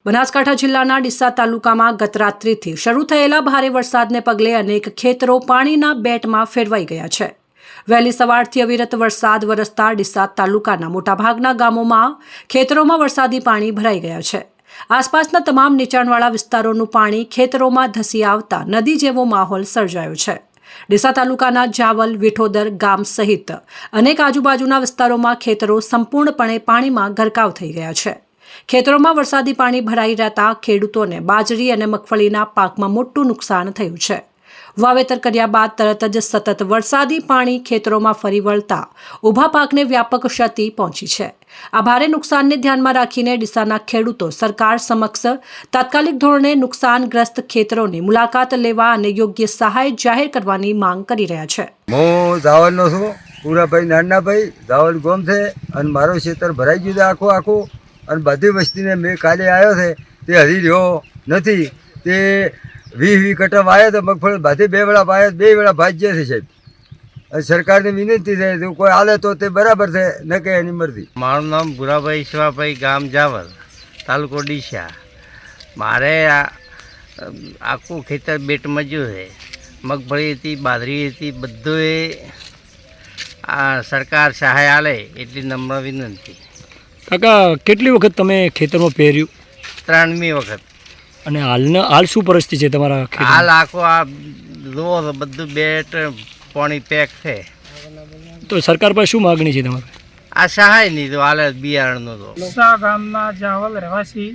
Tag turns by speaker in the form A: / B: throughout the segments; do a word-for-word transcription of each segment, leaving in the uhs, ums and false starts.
A: બનાસકાંઠા જિલ્લાના ડીસા તાલુકામાં ગત રાત્રિથી શરૂ થયેલા ભારે વરસાદને પગલે અનેક ખેતરો પાણીના બેટમાં ફેરવાઈ ગયા છે। વહેલી સવારથી અવિરત વરસાદ વરસતા ડીસા તાલુકાના મોટાભાગના ગામોમાં ખેતરોમાં વરસાદી પાણી ભરાઈ ગયા છે। આસપાસના તમામ નીચાણવાળા વિસ્તારોનું પાણી ખેતરોમાં ધસી આવતા નદી જેવો માહોલ સર્જાયો છે। ડીસા તાલુકાના જાવલ વિઠોદર ગામ સહિત અનેક આજુબાજુના વિસ્તારોમાં ખેતરો સંપૂર્ણપણે પાણીમાં ગરકાવ થઈ ગયા છે। ખેતરોમાં વરસાદી પાણી ભરાઈ રહેતા ખેડૂતોને બાજરી અને મગફળીના પાકમાં મોટું નુકસાન થયું છે। વાવેતર કર્યા બાદ તરત જ સતત વરસાદી પાણી ખેતરોમાં ફરી વળતા ઊભા પાકને વ્યાપક ક્ષતિ પહોંચી છે। આ ભારે નુકસાનને ધ્યાનમાં રાખીને ડીસાના ખેડૂતો સરકાર સમક્ષ તાત્કાલિક ધોરણે નુકસાનગ્રસ્ત ખેતરોની મુલાકાત લેવા અને યોગ્ય સહાય જાહેર કરવાની માંગ કરી રહ્યા છે।
B: હું જાવલનો છું, પૂરાભાઈ નાનાભાઈ જાવલ ગોમ છે અને મારો ખેતર ભરાઈ ગયું છે આખું આખું અને બધી વસ્તીને મેં કાલે આવ્યો છે તે હજી રહ્યો નથી। તે વીસ વીસ કટમ આવ્યા તો મગફળી બધી બે વેળા પાયા બે વેળા ભાજ્યા છે સાહેબ। અને સરકારની વિનંતી છે જો કોઈ હાલે તો તે બરાબર છે, ન કે એની મરજી।
C: મારું નામ ભુરાભાઈ ઈશ્વાભાઈ, ગામ જાવલ, તાલુકો ડીસા। મારે આ આખું ખેતર બેટમાં જ્યું છે, મગફળી હતી, બાજરી હતી, બધું આ સરકાર સહાય આલે એટલી નમ્ર વિનંતી।
D: કાકા, કેટલી વખત તમે ખેતરમાં પહેર્યું?
C: ત્રણમી વખત।
D: અને હાલના હાલ શું પરિસ્થિતિ છે તમારા ખેતરમાં?
C: હાલ આખો આ જુઓ તો બધું બેટ પાણી પેક છે।
D: તો સરકાર પાસે શું માગણી છે તમારે?
C: આ સહાય નહીં તો હાલે બિયારણનું તો।
E: ડીસા ગામના જાવલ રહેવાસી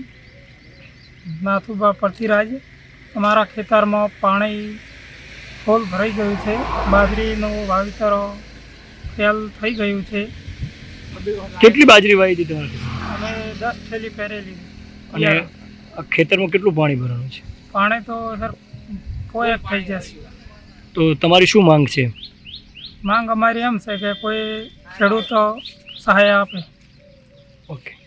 E: નાથુભા પૃથ્વીરાજ, અમારા ખેતરમાં પાણી ફૂલ ભરાઈ ગયું છે। બાજરીનું વાવેતર ફેલ થઈ ગયું છે।
D: કેટલી બાજરી વાવી હતી તમારે?
E: અમે દસ થેલી પહેરેલી।
D: અને આ ખેતરમાં કેટલું પાણી ભરાણું છે?
E: પાણી તો સર કોઈ એક થઈ જશે।
D: તો તમારી શું માંગ છે?
E: માંગ અમારી એમ છે કે કોઈ ખેડૂતો સહાય આપે।
D: ઓકે।